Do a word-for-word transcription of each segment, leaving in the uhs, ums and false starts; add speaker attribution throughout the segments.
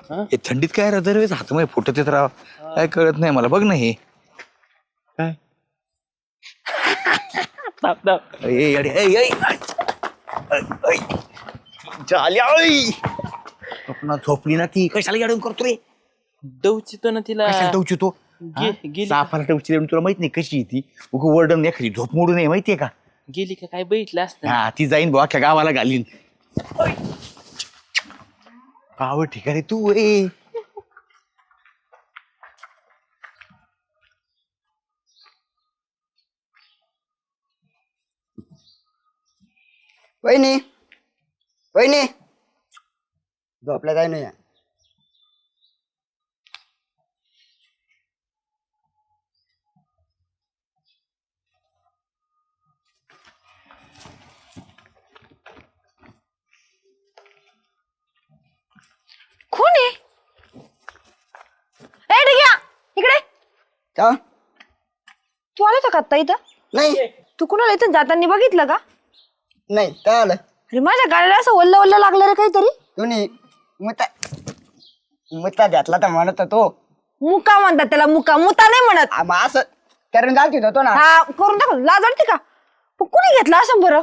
Speaker 1: हे थंडीत काय राहतं रे हातमध्ये फुटत येत राव काय कळत नाही मला बघ ना हे काय ए, अरे, ए, ए, ऐ, ऐ. झाली, ऐ. स्वप्नात झोपली ना ती कशाला अडून करतो रे
Speaker 2: दवचितो ना तिला
Speaker 1: कशाला टवचितो
Speaker 2: गे- गेली
Speaker 1: सापाला टवची तुला माहित नाही कशी आहे ती उग वर्डन एखादी झोप मोडू नये माहितीये का
Speaker 2: गेली का काय बघितलं असतं
Speaker 1: हा ती जाईन बुवा अख्ख्या गावाला घालीन गाव ठिकाणी तू ए
Speaker 3: वहिनी वहिनी झोपल्या काय नाही
Speaker 4: कोण आहे ए डिग्या इकडे
Speaker 3: का
Speaker 4: तू आला होता का आत्ता इथं
Speaker 3: नाही
Speaker 4: तू कुणाला इथं जाताना बघितलं का
Speaker 3: नाही काय आलं
Speaker 4: अरे माझ्या गाडीला असं ओल्ल ओल्ल लागलं रे काहीतरी
Speaker 3: तुम्ही मुता मुता घातला तर म्हणत तो
Speaker 4: मुका म्हणतात त्याला मुका मुता नाही म्हणत
Speaker 3: आ, मग असं करून जात होतो ना
Speaker 4: हा करून टाक लाज वाटते का पण कुणी घेतला असं बरं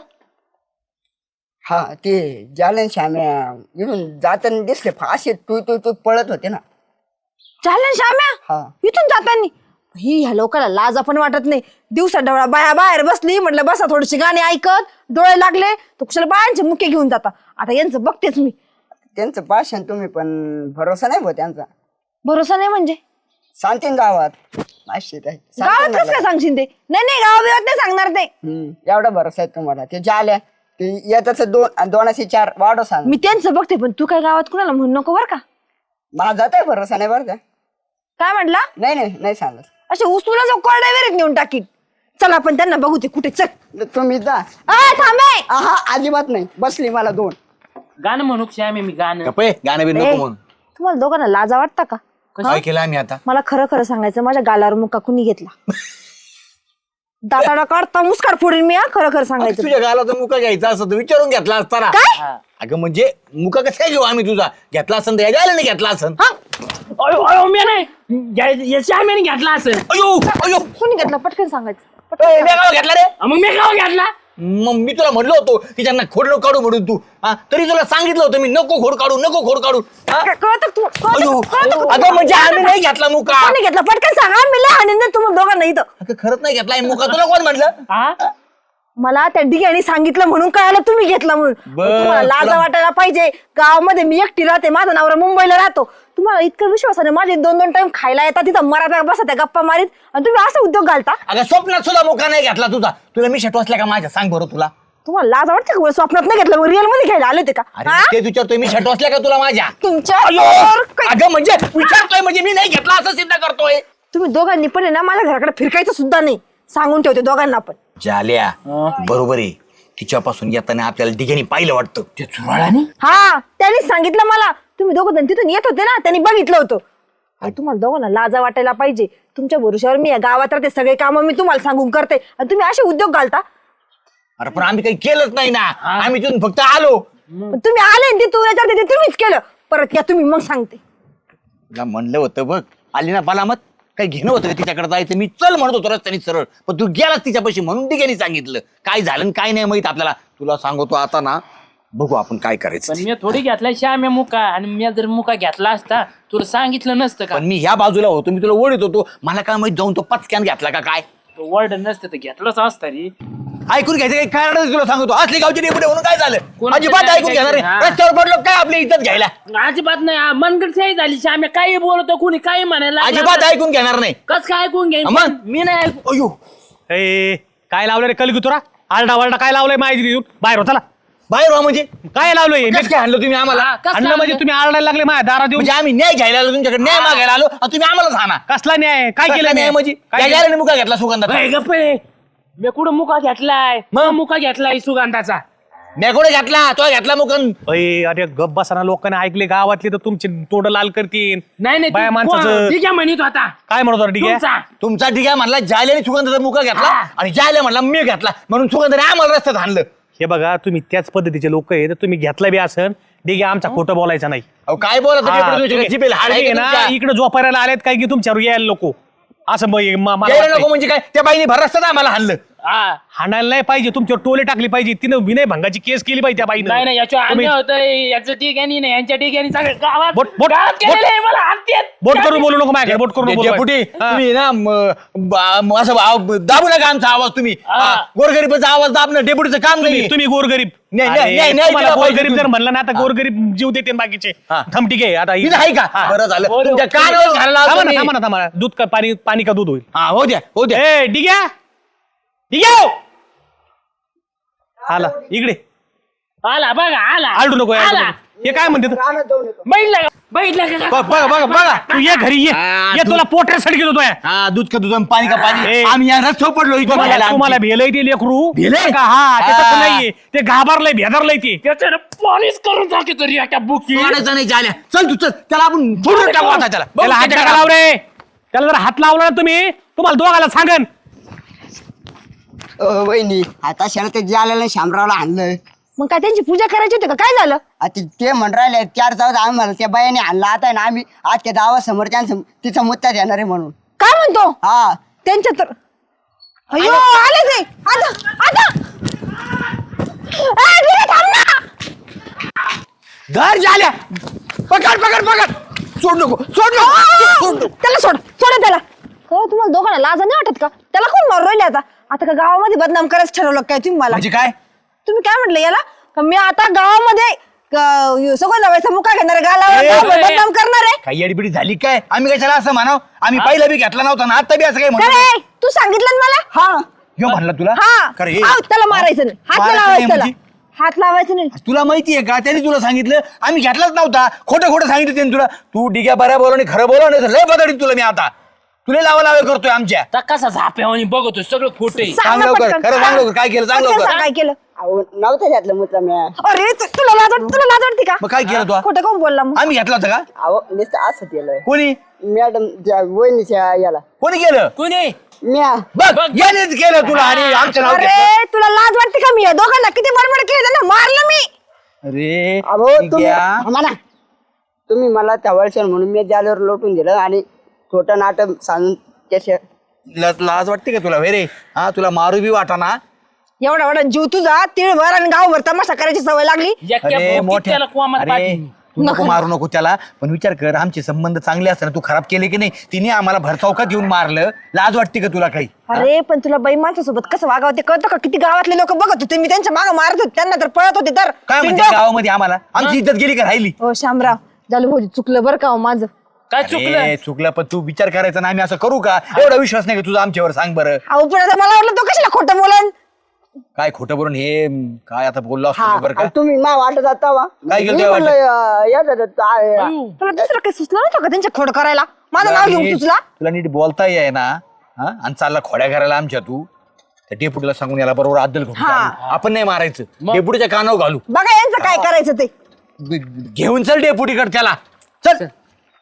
Speaker 3: हा ते जालन श्याम्या इथून जाताना दिसले फाशी तू तू तू पळत होते ना
Speaker 4: चालेल श्याम्या
Speaker 3: हा
Speaker 4: इथून जातानी ही ह्या लोकांना लाज आपण वाटत नाही दिवसा डोळा बाया बाहेर बसली म्हटलं बसा थोडीशी गाणी ऐकत डोळे लागले तर कुशाला बायांचे मुके घेऊन जाता आता यांचं बघतेच मी
Speaker 3: त्यांचं भाषण तुम्ही पण भरोसा नाही भाऊ त्यांचा
Speaker 4: भरोसा नाही म्हणजे
Speaker 3: सांगते ना गावात माहिती आहे
Speaker 4: गावात कसं काय सांगशील ते नाही नाही गावाबिवात नाही सांगणार ते
Speaker 3: हम्म एवढा भरोसा आहे तुम्हाला ते जाल्या ते येतच दोन दोनाशे चार वाढो सांग
Speaker 4: मी त्यांचं बघते पण तू काय गावात कुणाला म्हणू नको बरं का
Speaker 3: माझा तर भरोसा नाही बरं का
Speaker 4: काय म्हटला
Speaker 3: नाही नाही नाही सांगत
Speaker 4: असे उचलून जो कोरड्या विहिरीत नेऊन टाकीन चल आपण त्यांना बघू ते कुठे चल
Speaker 3: तुम्ही जा
Speaker 4: आ, थांबे
Speaker 3: हा अजिबात नाही बसली मला दोन
Speaker 2: गाणं म्हणू श्यामे मी गाणं
Speaker 1: गप्पे गाणं बिन
Speaker 4: ए,
Speaker 1: नको म्हणून
Speaker 4: तुम्हाला दोघांना लाजा वाटता का
Speaker 1: काय केलं आम्ही आता
Speaker 4: मला खरं खरं सांगायचं माझ्या गालावर मुक्का कुणी घेतला दाताडा काढता मुस्काड फोडीन मी हा खरं खरं सांगायचं
Speaker 1: तुझ्या गालाचा मुका घ्यायचा असं तर विचारून घेतला असता ना
Speaker 4: काय
Speaker 1: अगं म्हणजे मुका कसं काय घेऊ आम्ही तुझा घेतला असन तर यायला नाही घेतला असन
Speaker 4: हा
Speaker 2: अयो अयो मी नाही श्यामेने घेतला असं
Speaker 1: अयो अयो
Speaker 4: कुणी घेतला पटकन सांगायचं
Speaker 1: ए, मी गाव घेतला रे
Speaker 2: मग मी गाव घेतला
Speaker 1: मग मी तुला म्हणलो होतो की त्यांना खोड नको काढू म्हणून तू हा तरी तुला सांगितलं होतं मी नको खोड काढू नको खोड काढू हा?
Speaker 4: क- कळतं तू कळतं-
Speaker 1: अयो
Speaker 4: कळतं का?
Speaker 1: अगं म्हणजे आम्ही नाही घेतला मुका
Speaker 4: कोणी घेतला पटकन सांगा मी लहान आहे ना तुम्हाला दोघांना इथं
Speaker 1: अगं खरंच नाही घेतला हे मुका तुला कोण म्हटलं
Speaker 2: हा
Speaker 4: मला त्या डिग्याने सांगितलं म्हणून कळालं तुम्ही घेतला म्हणून
Speaker 1: बरं,
Speaker 4: तुम्हाला लाजा
Speaker 1: तुला-
Speaker 4: वाटायला पाहिजे गावामध्ये मी एकटी राहते माझा नवरा मुंबईला राहतो तुम्हाला इतकं विश्वासाने माझे दोन दोन टाइम खायला येतात तिथं मराठा बसा त्या गप्पा मारीत आणि तुम्ही असं उद्योग घालता
Speaker 1: अगं स्वप्नात सुद्धा मुका नाही घेतला तुझा तुला मी शट वाचला का माझ्या सांग बरं तुला
Speaker 4: तुम्हाला लाज वाटते का स्वप्नात नाही घेतलं मग रिअल मध्ये घ्यायला आले होते का
Speaker 1: अरे
Speaker 4: हा?
Speaker 1: ते विचारतोय मी शट वाचला का तुला माझ्या
Speaker 4: तुमच्या
Speaker 1: अयो,
Speaker 4: वर काय-
Speaker 1: अगं म्हणजे विचारतोय म्हणजे मी नाही घेतला असं सिद्ध करतोय
Speaker 4: तुम्ही दोघांनी पण आहे ना माझ्या घराकडे फिरकायचं सुद्धा नाही सांगून ठेवते दोघांना पण
Speaker 1: जाल्या बरोबर आहे तिच्यापासून येताना आपल्याला डिग्यानी पाहिलं वाटतं
Speaker 2: ते चुराळाने
Speaker 4: हा त्यांनी सांगितलं मला तुम्ही दोघं जण तिथून येत होते ना त्यांनी बघितलं होतं आणि तुम्हाला दोघांना लाजा वाटायला पाहिजे तुमच्या भरोशावर मी या गावात राहते सगळे कामं मी तुम्हाला सांगून करते आणि तुम्ही असे उद्योग घालता
Speaker 1: अरे पण आम्ही काही केलंच नाही ना आम्ही तिथून फक्त आलो
Speaker 4: पण तुम्ही आले आणि तिथून याच्यावर ते तुम्हीच केलं परत या तुम्ही मग सांगते
Speaker 1: तुला म्हणलं होतं बघ आली ना बालामत काही घेणं होतं का तिच्याकडे जायचं मी चल म्हणत होतो रस्त्याने सरळ पण तू गेलास तिच्यापाशी म्हणून डिग्यानी सांगितलं काय झालं आणि काय नाही माहित आपल्याला तुला सांगतो आता ना बघू आपण काय करायचं
Speaker 2: पण मी थोडी घेतला श्यामे मुका आणि मी जर मुका घेतला असता तुला सांगितलं नसतं का
Speaker 1: पण मी ह्या बाजूला होतो मी तुला ओढत होतो मला काय माहित जाऊन तो पचक्यान घेतला का काय
Speaker 2: वर्ड नसतं तर घेतलंच असतं रे
Speaker 1: ऐकून घ्यायचं काही कारण नाही तुला सांगतो असली गावची डेपुटे म्हणून काय झालं
Speaker 2: कोणाचं
Speaker 1: अजिबात
Speaker 2: काय
Speaker 1: ऐकून घेणार नाही
Speaker 2: हा.
Speaker 1: रस्त्यावर पडलो काय आपली इज्जत घ्यायला
Speaker 2: अजिबात नाही मनगडशाही झाली श्यामे काही बोलतो कुणी काही म्हणायला
Speaker 1: अजिबात ऐकून घेणार नाही
Speaker 2: कस काय ऐकून घेईन
Speaker 1: मग?
Speaker 2: मी नाही ऐकू
Speaker 1: अयो
Speaker 5: ए काय लावलं रे कलगी तुरा आरडा वारडा काय लावलंय माहिती देऊन बाहेर होता
Speaker 1: बाहेर व्हा म्हणजे
Speaker 5: काय लावलंय
Speaker 1: कसं काय आणलं तुम्ही आम्हाला
Speaker 2: हा, कसं
Speaker 5: अन्न म्हणजे
Speaker 2: आणलं?
Speaker 5: तुम्ही आरडायला लागले माझ्या दारा देऊन
Speaker 1: म्हणजे आम्ही न्याय घ्यायला आलो तुमच्याकडे न्याय मागायला आलो आणि तुम्ही आम्हालाच हाना
Speaker 5: कसला न्याय काय केलं
Speaker 1: न्याय
Speaker 5: मी?
Speaker 1: म्हणजे
Speaker 5: काय
Speaker 1: या
Speaker 5: केलं?
Speaker 1: गाड्याने मुका घेतला सुगंधाचा
Speaker 2: ए, गप्प रे. मी कुठं मुका घेतलाय मग मुका घेतलाय सुगंधाचा
Speaker 1: मी कुठे घातला तो घातला मुकन
Speaker 5: अय, अरे गप बसाना लोकांनी ऐकले गावातले तर तुमचे तोंड लाल करतील
Speaker 2: नाही नाही
Speaker 5: बाया
Speaker 2: तू
Speaker 5: माणसाचं
Speaker 2: कोण? ठीक आहे म्हणत होता
Speaker 5: काय म्हणत होता ठीक आहे
Speaker 2: तुमचा.
Speaker 1: तुमचा ठीक आहे म्हणला जायल्याने सुगंधाचा मुका घेतला
Speaker 2: हा.
Speaker 1: आणि जायला म्हणला मी घेतला म्हणून सुगंधाने आम्हाला रस्त्यात आणलं
Speaker 5: हे बघा तुम्ही त्याच पद्धतीचे लोक आहे तर तुम्ही घेतला बी असन ठीक आहे आमचा खोटं बोलायचं नाही
Speaker 1: अहो काय बोला
Speaker 5: हा, तुम्ही-
Speaker 1: जिबेल हाड आहे
Speaker 5: तुम्ही
Speaker 1: का
Speaker 5: ना
Speaker 1: तुमच्या?
Speaker 5: इकडे झोपायला आलेत काय की तुमच्यावर यायला लोक असं मग म- मला
Speaker 1: यायला
Speaker 5: वाटतंय.
Speaker 1: नको म्हणजे काय त्या बाईने भरसतात आम्हाला हाणलं
Speaker 2: हा
Speaker 5: हाणायला नाही पाहिजे तुमच्यावर टोले टाकली पाहिजे तिनं विनय भंगाची केस केली पाहिजे त्या बाईनं
Speaker 2: नाही नाही याच्या
Speaker 5: तुम्ही-
Speaker 2: अन्य होतं याचं ठिकाणी नाही यांच्या ठिकाणी सगळं गावात
Speaker 5: बोट- बोट-
Speaker 2: गावात
Speaker 5: बोट-
Speaker 2: गेलेलं आहे, मला हाणतेत.
Speaker 5: बोट करून बोलू नको माझ्याकडे बोट करून बोलू
Speaker 1: डेपुटी
Speaker 5: हा.
Speaker 1: तुम्ही ना म- बा- म- असं आव- दाबू नका आमचा आवाज तुम्ही
Speaker 2: हा.
Speaker 1: हा, गोरगरिबाचा आवाज दाबणं डेपुटीचं काम नाही
Speaker 5: तुम्ही तुम्ही गोरगरीब
Speaker 1: नाही,
Speaker 5: अरे,
Speaker 1: नाही, नाही, नाही,
Speaker 5: तुम्हाला
Speaker 1: दिला पाहिजे
Speaker 5: गोरगरीब जर
Speaker 1: तुम्ही.
Speaker 5: म्हणलं ना आता गोरगरीब जीव देते बाकीचे
Speaker 1: हा.
Speaker 5: थम ठीक आहे आता
Speaker 1: इथं आहे का
Speaker 5: हा.
Speaker 1: बरं झालं
Speaker 2: बरं.
Speaker 1: तुमच्या कानावर घालायला
Speaker 5: थांबा
Speaker 1: लावतो
Speaker 5: ना
Speaker 1: मी.
Speaker 5: थांबा ना थांबा ना. दूध का पाणी पाणी का दूध होईल
Speaker 1: हा हो द्या हो द्या
Speaker 5: ए ठीक आहे ठीक आहे आला इकडे
Speaker 2: आला बघा आला
Speaker 5: आलडू नको
Speaker 2: आला
Speaker 5: आलडू नको. हे काय म्हणते तू?
Speaker 3: रानात जाऊन येतो.
Speaker 2: बैठला का बैठला का
Speaker 1: ब- बघा बघा बघा
Speaker 5: तू ये घरी ये
Speaker 1: हा,
Speaker 5: ये
Speaker 1: तू-
Speaker 5: तुला पोटऱ्यासाठी घेतो तो या.
Speaker 1: हा दूध का दूध आणि पाणी का पाणी
Speaker 5: ए.
Speaker 1: आम्ही या रस्त्यावर पडलो इथं
Speaker 5: तुम्हाला
Speaker 1: बघायला
Speaker 5: तुम्हाला
Speaker 1: आमची.
Speaker 5: भेलय ते लेकरू
Speaker 1: भेलंय?
Speaker 5: का हा ते तसं
Speaker 1: हा.
Speaker 5: नाहीये ते घाबरलंय भेदरलंय ते
Speaker 2: त्याच्यानं पॉलिश करून टाके तरी एका बुकी
Speaker 1: सोडायचं नाही झाल्या चल तू चल त्याला आपण फोडून टाकू आता त्याला
Speaker 5: त्याला हात
Speaker 1: बघू
Speaker 5: नका लावू रे त्याला जर हात लावला ना तुम्ही तुम्हाला दोघाला सांगन
Speaker 3: अ, वहिनी आता शाळा ते जाल्याला शामरावला आणलं
Speaker 4: मग काय त्यांची पूजा करायची होती का काय झालं
Speaker 3: आता ते म्हण राहिले चार चौदा आम्हाला त्या बायाने आणला आता ना आम्ही आज त्या गावासमोर त्यांचं तिचा मुद्दा देणार आहे म्हणून
Speaker 4: काय म्हणतो
Speaker 3: हा
Speaker 4: त्यांच्या तर अयो आले ते आता आता ए, गिरे, थांब ना.
Speaker 1: घर झाल्या पकड पकड पकड सोड नको सोड नको सोड नको.
Speaker 4: त्याला सोड सोड त्याला हो तुम्हाला दोघांना लाज नाही वाटत का त्याला कोण मारू राहिले आता आता का गावामध्ये बदनाम करायचं ठरवलं काय तुम्ही मला
Speaker 1: म्हणजे काय
Speaker 4: तुम्ही काय म्हटलं याला का मी आता गावामध्ये क- सगळं लावायचा मुका घेणार आहे, गावाला
Speaker 1: ए,
Speaker 4: गावाला
Speaker 2: ए,
Speaker 4: बदनाम करणार आहे
Speaker 1: काही अडबिडी झाली काय आम्ही कशाला असं म्हणाव आम्ही पहिला बी घेतला नव्हता ना आता बी असं काय
Speaker 4: का
Speaker 1: म्हणतो
Speaker 4: रे तू सांगितलं ना मला
Speaker 3: हा
Speaker 1: ह्यो म्हणला तुला
Speaker 4: हा
Speaker 1: खरं हे-
Speaker 4: आव, त्याला मारायचं नाही हात नाही
Speaker 1: मारायचं
Speaker 4: लावायचं
Speaker 1: नाही
Speaker 4: त्याला
Speaker 1: म्हणजे?
Speaker 4: हात लावायचं नाही
Speaker 1: तुला माहितीये का त्याने तुला सांगितलं आम्ही घेतलाच नव्हता खोटं खोटं सांगितलं त्याने तुला तू डिग्या बऱ्या बोला आणि खरं बोला नाही तर लय बदडीत तुला मी आता तुला लावा लावा करतोय आमच्या
Speaker 2: आता कसा झाप्यावानी बघतो सगळं खोटे
Speaker 4: सांग
Speaker 1: सांग
Speaker 4: ना
Speaker 1: लवकर
Speaker 4: पटकन.
Speaker 1: खरं सांग लवकर काय केलं सांग
Speaker 4: पटकन
Speaker 1: लवकर
Speaker 4: सांग काय केलं
Speaker 3: अहो नव्हतं घातलं मुद्दा मी
Speaker 4: अरे तु- तुला लाज वाट- तुला लाज वाटते का
Speaker 1: मग काय केलं तू
Speaker 4: खोटं कोण बोलला मग
Speaker 1: आम्ही घेतला होता का
Speaker 3: अहो नुसतं असं केलं
Speaker 1: कोणी
Speaker 3: मॅडम त्या वहिनीच्या याला
Speaker 1: कोणी केलं
Speaker 2: कोणी
Speaker 3: म्या
Speaker 1: बघ यानेच केलं तुला आणि आमचं नाव घेतलं
Speaker 4: अरे तुला लाज वाटते का मी या दोघांना किती बडबड केली त्यांना मारलं मी
Speaker 1: अरे
Speaker 3: अहो तुम्ही
Speaker 1: डिग्या.
Speaker 3: थांबा ना तुम्ही मला त्या वर्षात म्हणून मी जाल्यावर लोटून दिलं आणि छोटं नाटक सांगून त्याच्या
Speaker 1: ला- लाज वाटते का तुला रे हा तुला मारू बी वाटाना
Speaker 4: एवढा एवढा जीव तुझा तिळभर आणि गावभर तमाशा करायची सवय लागली
Speaker 2: एक्या
Speaker 1: अरे
Speaker 2: भोवतीत
Speaker 1: मोठ्या
Speaker 2: त्याला कोमात
Speaker 1: अरे
Speaker 2: पाठीन.
Speaker 1: तू नको मारू नको त्याला पण विचार कर आमचे संबंध चांगले असताना तू खराब केले की नाही तिने आम्हाला भरचौकात येऊन मारलं लाज वाटते का तुला काही
Speaker 4: अरे पण तुला बाई माणसासोबत कसं वागावं ते कळतं का किती गावातले लोक बघत होते मी त्यांच्या मागे मारत होते त्यांना तर पळत होते तर
Speaker 1: काय म्हणते
Speaker 4: बिनडोक.
Speaker 1: गावामध्ये आम्हाला आमची इज्जत गेली का राहिली
Speaker 4: हो शामराव झालं भाऊजी चुकलं बरं का हो माझं
Speaker 2: काय
Speaker 1: अरे,
Speaker 2: चुकलं
Speaker 1: चुकलं पण तू विचार करायचा ना आम्ही असं करू का एवढा विश्वास नाही का तुझा आमच्यावर सांग बरं
Speaker 4: अहो पण आता मला वाटलं तो कशाला खोटं बोलन
Speaker 1: काय खोटं बोलून हे काय आता बोललो
Speaker 3: हा
Speaker 1: असतो बरं का
Speaker 3: आणि तुम्ही मा वाटत जाता वा
Speaker 1: काय केलं
Speaker 3: मी
Speaker 1: त्या
Speaker 3: म्हणलं, अं, या दादा, ता-
Speaker 2: अयो.
Speaker 4: तुला दुसरं काही सुचलं नव्हतं का त्यांच्या खोड करायला माझं नाव घेऊन
Speaker 1: नीट-
Speaker 4: सुचला
Speaker 1: तुला नीट बोलता येई ना हा आणि चालला खोड्या करायला आमच्या तू त्या डेपुटीला सांगून याला बरोबर अद्दल घेऊन
Speaker 4: हा.
Speaker 1: चालू. आपण नाही मारायचं डेपुटीच्या कानावर घालू
Speaker 4: बघा यांचं काय करायचं ते
Speaker 1: घेऊन चल डेपुटीकडे त्याला चल